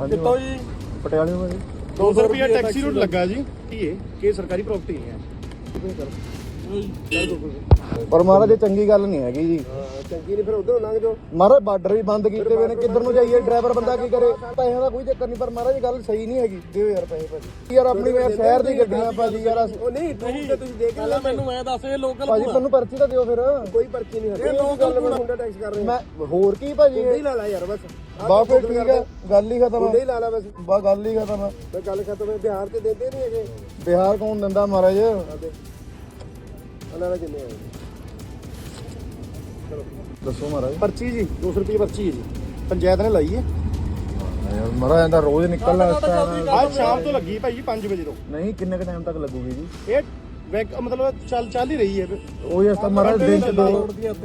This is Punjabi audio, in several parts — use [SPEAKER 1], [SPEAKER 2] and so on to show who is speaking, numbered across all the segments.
[SPEAKER 1] ਕਿੱਥੋਂ ਜੀ?
[SPEAKER 2] ਪਟਿਆਲੇ ਤੋਂ ਜੀ।
[SPEAKER 1] 200 ਰੁਪਏ ਟੈਕਸੀ ਰੂਟ ਲੱਗਾ ਜੀ। ਕੀ ਸਰਕਾਰੀ ਪ੍ਰਾਪਰਟੀ ਹੈ।
[SPEAKER 2] ਪਰ ਮਹਾਰਾਜ ਇਹ ਚੰਗੀ ਗੱਲ ਨਹੀਂ ਹੈਗੀ ਜੀ।
[SPEAKER 1] ਚੰਗੀ ਨਹੀਂ ਫਿਰ ਉਧਰੋਂ ਲੰਘ ਜਾਓ।
[SPEAKER 2] ਮਹਾਰਾਜ ਬਾਰਡਰ ਵੀ ਬੰਦ ਕੀਤੇ ਹੋਏ ਨੇ, ਕਿੱਧਰ ਨੂੰ ਜਾਈਏ? ਡਰਾਈਵਰ ਬੰਦਾ ਕੀ ਕਰੇ? ਪੈਸਿਆਂ ਦਾ ਕੋਈ ਚੱਕਰ ਨਹੀਂ, ਪਰ ਮਹਾਰਾਜ ਇਹ ਗੱਲ ਸਹੀ ਨਹੀਂ ਹੈਗੀ। ਦਿਓ ਯਾਰ ਪੈਸੇ ਭਾਜੀ। ਯਾਰ ਆਪਣੀ ਸ਼ਹਿਰ ਦੀ ਗੱਡੀਆਂ ਭਾਜੀ ਯਾਰ।
[SPEAKER 1] ਉਹ ਨਹੀਂ ਤੇ ਤੁਸੀਂ ਦੇਖ ਲੈ। ਮੈਨੂੰ ਐ ਦੱਸ ਇਹ ਲੋਕਲ
[SPEAKER 2] ਭਾਜੀ ਤੁਹਾਨੂੰ ਪਰਚੀ ਤਾਂ ਦਿਓ ਫਿਰ।
[SPEAKER 1] ਕੋਈ ਪਰਚੀ ਨਹੀਂ ਹੈ। ਇਹ ਲੋਕਲ ਮੁੰਡਾ ਟੈਕਸ ਕਰ ਰਹੇ
[SPEAKER 2] ਮੈਂ ਹੋਰ ਕੀ ਭਾਜੀ?
[SPEAKER 1] ਇਹ ਲਾ ਲਾ ਯਾਰ ਬਸ।
[SPEAKER 2] ਬਸ ਫਿਰ ਠੀਕ ਹੈ, ਗੱਲ ਹੀ ਖਤਮ
[SPEAKER 1] ਮੁੰਡੇ ਹੀ ਲਾ ਲਾ ਬਸ।
[SPEAKER 2] ਬਸ ਗੱਲ ਹੀ ਖਤਮ ਹੈ।
[SPEAKER 1] ਤੇ ਗੱਲ ਖਤਮ ਹੈ। ਬਿਹਾਰ ਤੇ ਦਿੰਦੇ ਨਹੀਂ ਹੈਗੇ।
[SPEAKER 2] ਬਿਹਾਰ ਕੌਣ ਦਿੰਦਾ ਮਹਾਰਾਜ?
[SPEAKER 1] ਉਹਨਾਂ ਦਾ ਕਿੰਨੇ ਆਏ?
[SPEAKER 2] ਦੱਸੋ ਮਹਾਰਾਜ।
[SPEAKER 1] ਪਰਚੀ ਜੀ 200 ਰੁਪਏ ਪਰਚੀ ਹੈ ਜੀ। ਪੰਚਾਇਤ ਨੇ ਲਾਈ ਹੈ।
[SPEAKER 2] ਯਾਰ ਮਹਾਰਾਜ ਇਹਦਾ ਰੋਜ਼ ਨਿਕਲਣਾ ਇਸ ਟਾਈਮ।
[SPEAKER 1] ਅੱਜ ਸ਼ਾਮ ਤੋਂ ਲੱਗੀ ਭਾਈ 5 ਵਜੇ ਤੋਂ।
[SPEAKER 2] ਨਹੀਂ ਕਿੰਨੇ ਕ ਟਾਈਮ ਤੱਕ ਲੱਗੂਗੀ ਜੀ?
[SPEAKER 1] ਇਹ ਮਤਲਬ ਚੱਲ ਹੀ ਰਹੀ ਹੈ।
[SPEAKER 2] ਉਹ ਯਾਰ ਤਾਂ ਮਹਾਰਾਜ ਦਿਨ ਚ ਦੋ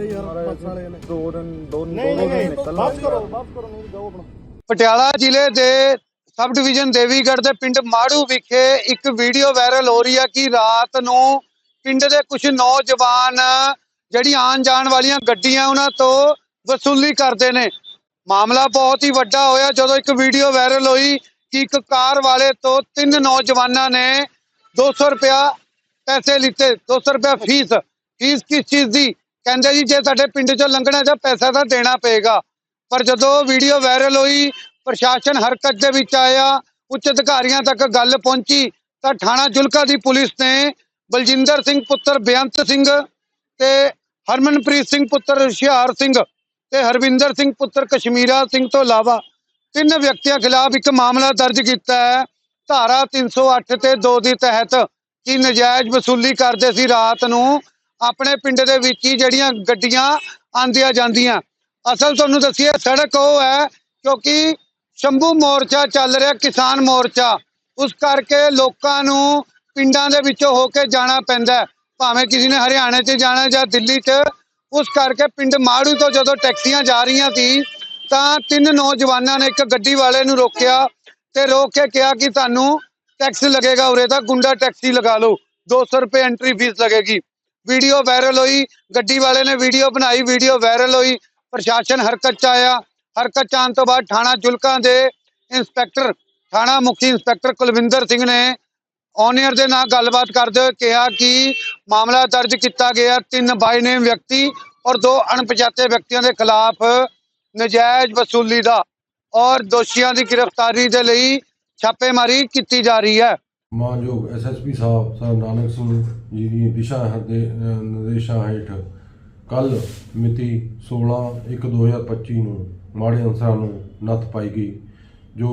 [SPEAKER 2] ਦਿਨ ਨਿਕਲਣਾ।
[SPEAKER 1] ਵਾਪਸ ਕਰੋ ਨਹੀਂ ਜਾਓ ਆਪਣਾ।
[SPEAKER 3] ਪਟਿਆਲਾ ਜ਼ਿਲ੍ਹੇ ਦੇ ਸਬ ਡਿਵੀਜ਼ਨ ਦੇਵੀਗੜ੍ਹ ਦੇ ਪਿੰਡ ਮਾੜੂ ਵਿਖੇ ਇੱਕ ਵੀਡੀਓ ਵਾਇਰਲ ਹੋ ਰਹੀ ਹੈ ਕਿ ਰਾਤ ਨੂੰ ਪਿੰਡ ਦੇ ਕੁਝ ਨੌਜਵਾਨ ਜਿਹੜੀਆਂ ਆਉਣ ਜਾਣ ਵਾਲੀਆਂ ਗੱਡੀਆਂ ਉਹਨਾਂ ਤੋਂ ਵਸੂਲੀ ਕਰਦੇ ਨੇ। ਮਾਮਲਾ ਬਹੁਤ ਹੀ ਵੱਡਾ ਹੋਇਆ ਜਦੋਂ ਇੱਕ ਵੀਡੀਓ ਵਾਇਰਲ ਹੋਈ ਕਿ ਇੱਕ ਕਾਰ ਵਾਲੇ ਤੋਂ 3 ਨੌਜਵਾਨਾਂ ਨੇ 200 ਰੁਪਇਆ ਪੈਸੇ ਲਿੱਤੇ। 200 ਰੁਪਇਆ ਫੀਸ ਕਿਸ ਚੀਜ਼ ਦੀ? ਕਹਿੰਦੇ ਜੀ ਜੇ ਸਾਡੇ ਪਿੰਡ ਚੋਂ ਲੰਘਣਾ ਜਾਂ ਪੈਸਾ ਤਾਂ ਦੇਣਾ ਪਏਗਾ। ਪਰ ਜਦੋਂ ਵੀਡੀਓ ਵਾਇਰਲ ਹੋਈ ਪ੍ਰਸ਼ਾਸਨ ਹਰਕਤ ਦੇ ਵਿੱਚ ਆਇਆ, ਉੱਚ ਅਧਿਕਾਰੀਆਂ ਤੱਕ ਗੱਲ ਪਹੁੰਚੀ ਤਾਂ ਥਾਣਾ ਜੁਲਕਾ ਦੀ ਪੁਲਿਸ ਨੇ ਬਲਜਿੰਦਰ ਸਿੰਘ ਪੁੱਤਰ ਬੇਅੰਤ ਸਿੰਘ ਤੇ ਹਰਮਨਪ੍ਰੀਤ ਸਿੰਘ ਪੁੱਤਰ ਹੁਸ਼ਿਆਰ ਸਿੰਘ ਤੇ ਹਰਵਿੰਦਰ ਸਿੰਘ ਪੁੱਤਰ ਕਸ਼ਮੀਰਾ ਸਿੰਘ ਤੋਂ ਇਲਾਵਾ 3 ਵਿਅਕਤੀਆਂ ਖਿਲਾਫ ਇੱਕ ਮਾਮਲਾ ਦਰਜ ਕੀਤਾ ਹੈ ਧਾਰਾ 308 ਤੇ 2 ਦੀ ਤਹਿਤ ਕਿ ਨਜਾਇਜ਼ ਵਸੂਲੀ ਕਰਦੇ ਸੀ ਰਾਤ ਨੂੰ ਆਪਣੇ ਪਿੰਡ ਦੇ ਵਿੱਚ ਹੀ ਜਿਹੜੀਆਂ ਗੱਡੀਆਂ ਆਂਦੀਆਂ ਜਾਂਦੀਆਂ। ਅਸਲ ਤੁਹਾਨੂੰ ਦੱਸੀਏ ਸੜਕ ਉਹ ਹੈ ਕਿਉਂਕਿ ਸ਼ੰਭੂ ਮੋਰਚਾ ਚੱਲ ਰਿਹਾ, ਕਿਸਾਨ ਮੋਰਚਾ, ਉਸ ਕਰਕੇ ਲੋਕਾਂ ਨੂੰ ਪਿੰਡਾਂ ਦੇ ਵਿੱਚੋਂ ਹੋ ਕੇ ਜਾਣਾ ਪੈਂਦਾ, ਭਾਵੇਂ ਕਿਸੇ ਨੇ ਹਰਿਆਣੇ 'ਚ ਜਾਣਾ ਜਾਂ ਦਿੱਲੀ 'ਚ। ਉਸ ਕਰਕੇ ਪਿੰਡ ਮਾੜੂ ਤੋਂ ਜਦੋਂ ਟੈਕਸੀਆਂ ਜਾ ਰਹੀਆਂ ਸੀ ਤਾਂ 3 ਨੌਜਵਾਨਾਂ ਨੇ ਇੱਕ ਗੱਡੀ ਵਾਲੇ ਨੂੰ ਰੋਕਿਆ ਤੇ ਰੋਕ ਕੇ ਕਿਹਾ ਕਿ ਤੁਹਾਨੂੰ ਟੈਕਸ ਲੱਗੇਗਾ, ਉਰੇ ਦਾ ਗੁੰਡਾ ਟੈਕਸੀ ਲਗਾ ਲਓ, 200 ਰੁਪਏ ਐਂਟਰੀ ਫੀਸ ਲੱਗੇਗੀ। ਵੀਡੀਓ ਵਾਇਰਲ ਹੋਈ, ਗੱਡੀ ਵਾਲੇ ਨੇ ਵੀਡੀਓ ਬਣਾਈ, ਵੀਡੀਓ ਵਾਇਰਲ ਹੋਈ, ਪ੍ਰਸ਼ਾਸਨ ਹਰਕਤ 'ਚ ਆਇਆ। ਹਰਕਤ 'ਚ ਆਉਣ ਤੋਂ ਬਾਅਦ ਥਾਣਾ ਜੁਲਕਾ ਦੇ ਇੰਸਪੈਕਟਰ, ਥਾਣਾ ਮੁਖੀ ਇੰਸਪੈਕਟਰ ਕੁਲਵਿੰਦਰ ਸਿੰਘ ਨੇ ਔਨੀਅਰ ਦੇ ਨਾਲ ਗੱਲਬਾਤ ਕਰਦੇ ਹੋਏ ਕਿਹਾ ਕਿ ਮਾਮਲਾ ਦਰਜ ਕੀਤਾ ਗਿਆ 3 ਬਾਈ ਨੇਮ ਵਿਅਕਤੀ ਔਰ 2 ਅਣਪਛਾਤੇ ਵਿਅਕਤੀਆਂ ਦੇ ਖਿਲਾਫ ਨਜਾਇਜ਼ ਵਸੂਲੀ ਦਾ ਔਰ ਦੋਸ਼ੀਆਂ ਦੀ ਗ੍ਰਿਫਤਾਰੀ ਦੇ ਲਈ ਛਾਪੇਮਾਰੀ ਕੀਤੀ ਜਾ ਰਹੀ ਹੈ।
[SPEAKER 4] ਮਾਨਯੋਗ ਐਸਐਸਪੀ ਸਾਹਿਬ ਸਰ ਨਾਨਕ ਸਿੰਘ ਜੀ ਦੀ ਦਿਸ਼ਾ ਨਿਰਦੇਸ਼ਾਂ ਹੇਠ ਕੱਲ ਮਿਤੀ 16/1/2025 ਨੂੰ ਮਾੜੇ ਅਨਸਰਾਂ ਨੂੰ ਨੱਥ ਪਾਈ ਗਈ, ਜੋ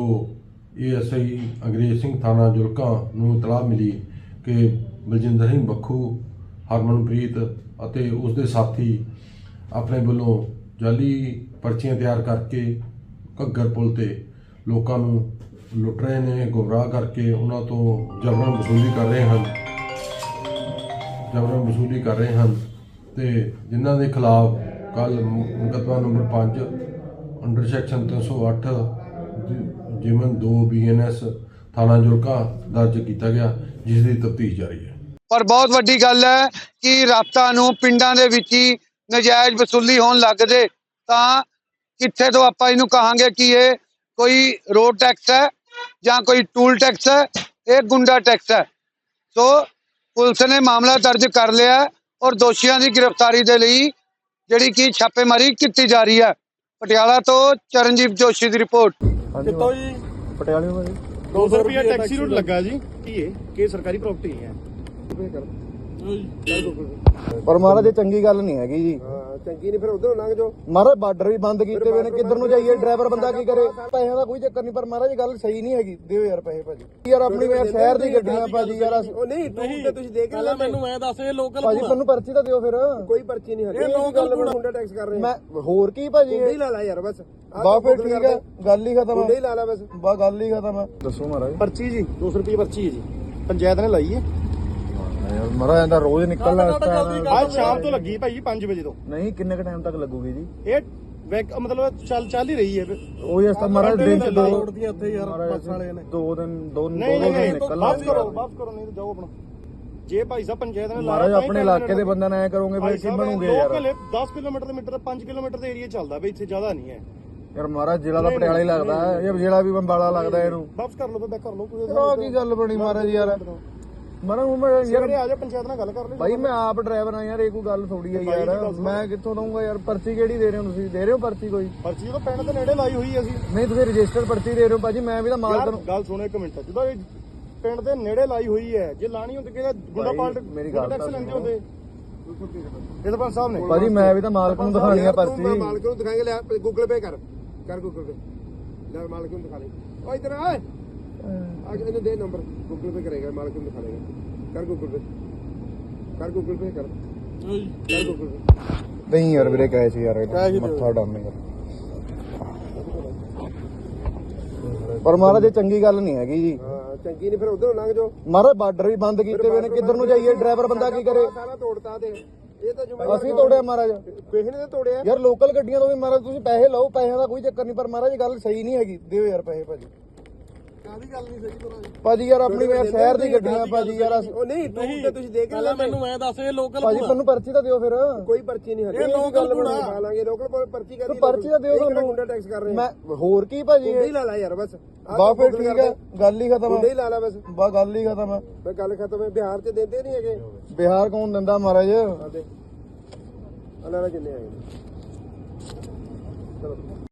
[SPEAKER 4] ਏਐਸਆਈ ਅੰਗਰੇਜ਼ ਸਿੰਘ ਥਾਣਾ ਜੁਲਕਾ ਨੂੰ ਇਤਲਾਹ ਮਿਲੀ ਕਿ ਬਲਜਿੰਦਰ ਸਿੰਘ ਬੱਖੂ, ਹਰਮਨਪ੍ਰੀਤ ਅਤੇ ਉਸ ਦੇ ਸਾਥੀ ਆਪਣੇ ਵੱਲੋਂ ਜਾਲੀ ਪਰਚੀਆਂ ਤਿਆਰ ਕਰਕੇ ਘੱਗਰ ਪੁਲ ਤੇ ਲੋਕਾਂ ਨੂੰ ਲੁੱਟ ਰਹੇ ਨੇ, ਗੁੰਮਰਾਹ ਕਰਕੇ ਉਹਨਾਂ ਤੋਂ ਜਬਰਨ ਵਸੂਲੀ ਕਰ ਰਹੇ ਹਨ ਤੇ ਜਿਨ੍ਹਾਂ ਦੇ ਖਿਲਾਫ ਕੱਲ ਮੁਕੱਦਮਾ ਨੰਬਰ 5 ਅੰਡਰ ਸੈਕਸ਼ਨ 308 ਜਿਮਨ 2 BNS ਥਾਣਾ ਜੁਲਕਾ ਦਰਜ ਕੀਤਾ ਗਿਆ, ਜਿਸ ਦੀ ਤਫਤੀਸ਼ ਜਾਰੀ ਹੈ।
[SPEAKER 3] ਪਰ ਬਹੁਤ ਵੱਡੀ ਗੱਲ ਹੈ ਕਿ ਰਾਤਾਂ ਨੂੰ ਪਿੰਡਾਂ ਦੇ ਵਿੱਚ ਹੀ ਨਜਾਇਜ਼ ਵਸੂਲੀ ਹੋਣ ਲੱਗ ਜੇ ਤਾਂ ਕਿੱਥੇ ਤੋਂ ਆਪਾਂ ਇਹਨੂੰ ਕਹਾਂਗੇ ਕਿ ਇਹ ਕੋਈ ਰੋਡ ਟੈਕਸ ਹੈ ਜਾਂ ਕੋਈ ਟੂਲ ਟੈਕਸ ਹੈ, ਇਹ ਗੁੰਡਾ ਟੈਕਸ ਹੈ। ਸੋ ਪੁਲਿਸ ਨੇ ਮਾਮਲਾ ਦਰਜ ਕਰ ਲਿਆ ਔਰ ਦੋਸ਼ੀਆਂ ਦੀ ਗ੍ਰਿਫਤਾਰੀ ਦੇ ਲਈ ਜਿਹੜੀ ਕਿ ਛਾਪੇਮਾਰੀ ਕੀਤੀ ਜਾ ਰਹੀ ਹੈ। ਪਟਿਆਲਾ ਤੋਂ ਚਰਨਜੀਤ ਜੋਸ਼ੀ ਦੀ ਰਿਪੋਰਟ।
[SPEAKER 1] ਕਿੱਥੋਂ ਜੀ?
[SPEAKER 2] ਪਟਿਆਲੇ ਤੋਂ ਜੀ।
[SPEAKER 1] 200 ਰੁਪਏ ਟੈਕਸੀ ਰੂਟ ਲੱਗਾ ਜੀ। ਕੀ ਸਰਕਾਰੀ ਪ੍ਰਾਪਰਟੀ ਹੈ।
[SPEAKER 2] ਪਰ ਮਹਾਰਾਜ ਇਹ ਚੰਗੀ ਗੱਲ ਨਹੀਂ ਹੈਗੀ ਜੀ।
[SPEAKER 1] ਚੰਗੀ ਨਹੀਂ ਫਿਰ ਉਧਰੋਂ ਲੰਘ ਜਾਓ।
[SPEAKER 2] ਮਹਾਰਾਜ ਬਾਰਡਰ ਵੀ ਬੰਦ ਕੀਤੇ ਹੋਏ ਨੇ, ਕਿੱਧਰ ਨੂੰ ਜਾਈਏ? ਡਰਾਈਵਰ ਬੰਦਾ ਕੀ ਕਰੇ? ਪੈਸਿਆਂ ਦਾ ਕੋਈ ਚੱਕਰ ਨਹੀਂ, ਪਰ ਮਹਾਰਾਜ ਇਹ ਗੱਲ ਸਹੀ ਨਹੀਂ ਹੈਗੀ। ਦਿਓ ਯਾਰ ਪੈਸੇ ਭਾਜੀ। ਯਾਰ ਆਪਣੀ ਸ਼ਹਿਰ ਦੀ ਗੱਡੀਆਂ ਭਾਜੀ ਯਾਰ।
[SPEAKER 1] ਉਹ ਨਹੀਂ ਤੇ ਤੁਸੀਂ ਦੇਖ ਲੈ। ਮੈਨੂੰ ਐ ਦੱਸ ਇਹ ਲੋਕਲ
[SPEAKER 2] ਭਾਜੀ ਤੁਹਾਨੂੰ ਪਰਚੀ ਤਾਂ ਦਿਓ ਫਿਰ।
[SPEAKER 1] ਕੋਈ ਪਰਚੀ ਨਹੀਂ ਹੈ। ਇਹ ਲੋਕਲ ਮੁੰਡਾ ਟੈਕਸ ਕਰ ਰਹੇ।
[SPEAKER 2] ਮੈਂ ਹੋਰ ਕੀ ਭਾਜੀ?
[SPEAKER 1] ਮੁੰਡੇ ਹੀ ਲਾ ਲਾ ਯਾਰ ਬਸ।
[SPEAKER 2] ਬਸ ਫਿਰ ਠੀਕ ਹੈ, ਗੱਲ ਹੀ ਖਤਮ
[SPEAKER 1] ਮੁੰਡੇ ਹੀ ਲਾ ਲਾ ਬਸ।
[SPEAKER 2] ਬਸ ਗੱਲ ਹੀ ਖਤਮ ਹੈ। ਦੱਸੋ ਮਹਾਰਾਜ।
[SPEAKER 1] ਪਰਚੀ ਜੀ 200 ਰੁਪਏ ਪਰਚੀ ਹੈ ਜੀ। ਪੰਚਾਇਤ ਨੇ ਲਾਈ ਹੈ।
[SPEAKER 2] ਯਾਰ ਮਹਾਰਾਜ ਇਹਦਾ ਰੋਜ਼ ਨਿਕਲਣਾ ਇਸ ਟਾਈਮ।
[SPEAKER 1] ਅੱਜ ਸ਼ਾਮ ਤੋਂ ਲੱਗੀ ਭਾਈ 5 ਵਜੇ ਤੋਂ।
[SPEAKER 2] ਨਹੀਂ ਕਿੰਨੇ ਕ ਟਾਈਮ ਤੱਕ ਲੱਗੂਗੀ ਜੀ?
[SPEAKER 1] ਇਹ ਮਤਲਬ ਚੱਲ ਹੀ ਰਹੀ ਹੈ।
[SPEAKER 2] ਉਹ ਯਾਰ ਤਾਂ ਮਹਾਰਾਜ ਦਿਨ ਚ 2 ਦਿਨ ਨਿਕਲਣਾ।
[SPEAKER 1] ਵਾਪਸ ਕਰੋ ਨਹੀਂ ਜਾਓ ਆਪਣਾ। ਜੇ ਭਾਈ ਸਾਹਿਬ ਪੰਚਾਇਤ ਨੇ
[SPEAKER 2] ਮਹਾਰਾਜ ਆਪਣੇ ਇਲਾਕੇ ਦੇ ਬੰਦਿਆਂ ਨਾਲ ਐ ਕਰੋਗੇ ਭਾਈ ਕੀ ਬਣੂਗੇ ਯਾਰ?
[SPEAKER 1] 10 ਕਿਲੋਮੀਟਰ ਦੇ 5 ਕਿਲੋਮੀਟਰ ਦੇ ਏਰੀਆ ਚੱਲਦਾ ਬਈ, ਇੱਥੇ ਜ਼ਿਆਦਾ ਨਹੀਂ ਹੈ।
[SPEAKER 2] ਯਾਰ ਮਹਾਰਾਜ ਜ਼ਿਲ੍ਹਾ ਦਾ ਪਟਿਆਲਾ ਹੀ ਲੱਗਦਾ ਹੈ, ਇਹ ਜ਼ਿਲ੍ਹਾ ਵੀ ਬੰਬਾਲਾ ਲੱਗਦਾ ਇਹਨੂੰ।
[SPEAKER 1] ਵਾਪਸ ਕਰ ਲਓ ਤਾਂ ਕਰ ਲਓ ਕੋਈ
[SPEAKER 2] ਆਹ ਕੀ ਗੱਲ ਬਣੀ ਮਹਾਰਾਜ ਯਾਰ। ਮੈਂ ਯਾਰ
[SPEAKER 1] ਆ ਜਾ ਪੰਚਾਇਤ ਨਾਲ ਗੱਲ ਕਰ ਲੈ
[SPEAKER 2] ਭਾਈ ਮੈਂ ਆਪ ਡਰਾਈਵਰ ਆ ਯਾਰ, ਇਹ ਕੋਈ ਗੱਲ ਥੋੜੀ ਆ ਯਾਰ। ਮੈਂ ਕਿੱਥੋਂ ਦਊਂਗਾ ਯਾਰ? ਪਰਚੀ ਕਿਹੜੀ ਦੇ ਰਹੇ ਹੋ ਤੁਸੀਂ? ਦੇ ਰਹੇ ਹੋ ਪਰਚੀ ਕੋਈ?
[SPEAKER 1] ਪਰਚੀ ਤਾਂ ਪਿੰਡ ਦੇ ਨੇੜੇ ਲਾਈ ਹੋਈ ਅਸੀਂ।
[SPEAKER 2] ਨਹੀਂ ਤੁਸੀਂ ਰਜਿਸਟਰ ਪਰਚੀ ਦੇ ਰਹੇ ਹੋ ਭਾਜੀ, ਮੈਂ ਵੀ ਤਾਂ ਮਾਲਕ ਨੂੰ।
[SPEAKER 1] ਗੱਲ ਸੁਣੋ ਇੱਕ ਮਿੰਟ, ਜਦੋਂ ਇਹ ਪਿੰਡ ਦੇ ਨੇੜੇ ਲਾਈ ਹੋਈ ਹੈ, ਜੇ ਲਾਣੀ ਹੁੰਦੀ ਕਿ ਗੁੰਡਾ ਪਾਲਟ
[SPEAKER 2] ਮੇਰੀ ਗੱਲ
[SPEAKER 1] ਟੈਕਸ ਲੈਂਦੇ ਹੁੰਦੇ ਇਹ ਸਰਪੰਚ ਸਾਹਿਬ ਨੇ।
[SPEAKER 2] ਭਾਜੀ ਮੈਂ ਵੀ ਤਾਂ ਮਾਲਕ ਨੂੰ ਦਿਖਾਣੀ ਆ ਪਰਚੀ।
[SPEAKER 5] ਮਾਲਕ ਨੂੰ ਦਿਖਾਏਗਾ, ਲੈ ਗੂਗਲ ਪੇ ਕਰ ਗੂਗਲ ਪੇ, ਲੈ ਮਾਲਕ ਨੂੰ ਦਿਖਾ ਲੈ। ਓ ਇਧਰ ਆ ਇਹਨੂੰ ਦੇ ਨੰਬਰ, ਗੂਗਲ ਪੇ ਕਰੇਗਾ, ਮਾਲਕ ਨੂੰ ਦਿਖਾ ਲੇਗਾ। ਕਰ ਗੂਗਲ ਪੇ ਕਰ ਗੂਗਲ ਪੇ ਕਰ ਗੂਗਲ ਪੇ।
[SPEAKER 2] ਨਹੀਂ ਯਾਰ ਵੀਰੇ ਕਹੇ ਸੀ ਯਾਰ, ਮੱਥਾ ਡਾਮੇ ਯਾਰ। ਪਰ ਮਹਾਰਾਜ ਇਹ ਚੰਗੀ ਗੱਲ ਨਹੀਂ ਹੈਗੀ ਜੀ।
[SPEAKER 5] ਹਾਂ ਚੰਗੀ ਨਹੀਂ, ਫਿਰ ਉਧਰੋਂ ਲੰਘ ਜਾਓ।
[SPEAKER 2] ਮਹਾਰਾਜ ਬਾਰਡਰ ਵੀ ਬੰਦ ਕੀਤੇ ਹੋਏ ਨੇ, ਕਿੱਧਰ ਨੂੰ ਜਾਈਏ? ਡਰਾਈਵਰ ਬੰਦਾ ਕੀ ਕਰੇ?
[SPEAKER 5] ਸਾਰਾ ਤੋੜਤਾ ਤੇ ਇਹ ਤਾਂ
[SPEAKER 2] ਅਸੀਂ ਤੋੜਿਆ ਮਹਾਰਾਜ।
[SPEAKER 5] ਕਿਸੇ ਨੇ ਤਾਂ ਤੋੜਿਆ
[SPEAKER 2] ਯਾਰ ਲੋਕਲ ਗੱਡੀਆਂ ਤੋਂ ਵੀ ਮਹਾਰਾਜ ਤੁਸੀਂ ਪੈਸੇ ਲਓ, ਪੈਸਿਆਂ ਦਾ ਕੋਈ ਚੱਕਰ ਨਹੀਂ, ਪਰ ਮਹਾਰਾਜ ਇਹ ਗੱਲ ਸਹੀ ਨਹੀਂ ਹੈਗੀ। ਦਿਓ ਯਾਰ ਪੈਸੇ ਭਾਜੀ।
[SPEAKER 5] ਕਾਹਦੀ ਗੱਲ ਨਹੀਂ ਸਹੀ ਤੋੜਾ
[SPEAKER 2] ਭਾਜੀ ਯਾਰ ਆਪਣੀ ਯਾਰ ਸ਼ਹਿਰ ਦੀ ਗੱਡੀਆਂ ਭਾਜੀ ਯਾਰ।
[SPEAKER 5] ਉਹ ਨਹੀਂ ਟੂਰ ਤੇ ਤੁਸੀਂ ਦੇਖ ਲੈ।
[SPEAKER 1] ਮੈਨੂੰ ਐ ਦੱਸ ਇਹ ਲੋਕਲ
[SPEAKER 2] ਭਾਜੀ ਮੈਨੂੰ ਪਰਚੀ ਤਾਂ ਦਿਓ ਫਿਰ।
[SPEAKER 5] ਕੋਈ ਪਰਚੀ ਨਹੀਂ ਹੱਲੇ।
[SPEAKER 1] ਇਹ ਲੋਕਲ
[SPEAKER 5] ਬਣਾ ਲਾਂਗੇ, ਲੋਕਲ ਪਰਚੀ ਕਰ।
[SPEAKER 2] ਪਰਚੀ ਤਾਂ ਦਿਓ ਸਾਨੂੰ।
[SPEAKER 5] ਗੁੰਡਾ ਟੈਕਸ ਕਰ ਰਹੇ
[SPEAKER 2] ਮੈਂ ਹੋਰ ਕੀ ਭਾਜੀ?
[SPEAKER 5] ਗੁੰਡੇ ਹੀ ਲਾ ਲਾ ਯਾਰ ਬਸ।
[SPEAKER 2] ਬਾ ਫਿਰ ਠੀਕ ਹੈ, ਗੱਲ ਹੀ ਖਤਮ
[SPEAKER 5] ਗੁੰਡੇ ਹੀ
[SPEAKER 2] ਹੈ।
[SPEAKER 5] ਲਾ ਲਾ ਬਸ,
[SPEAKER 2] ਬਾ ਗੱਲ ਹੀ ਖਤਮ ਹੈ।
[SPEAKER 5] ਬਈ ਗੱਲ ਖਤਮ ਹੈ। ਬਿਹਾਰ ਚ ਦਿੰਦੇ ਨਹੀਂ ਹੈਗੇ।
[SPEAKER 2] ਬਿਹਾਰ ਕੌਣ ਦਿੰਦਾ ਮਹਾਰਾਜ?
[SPEAKER 5] ਆਦੇ ਅਲਾਰਾ ਕਿੰਨੇ ਆਏ ਨੇ। ਚਲੋ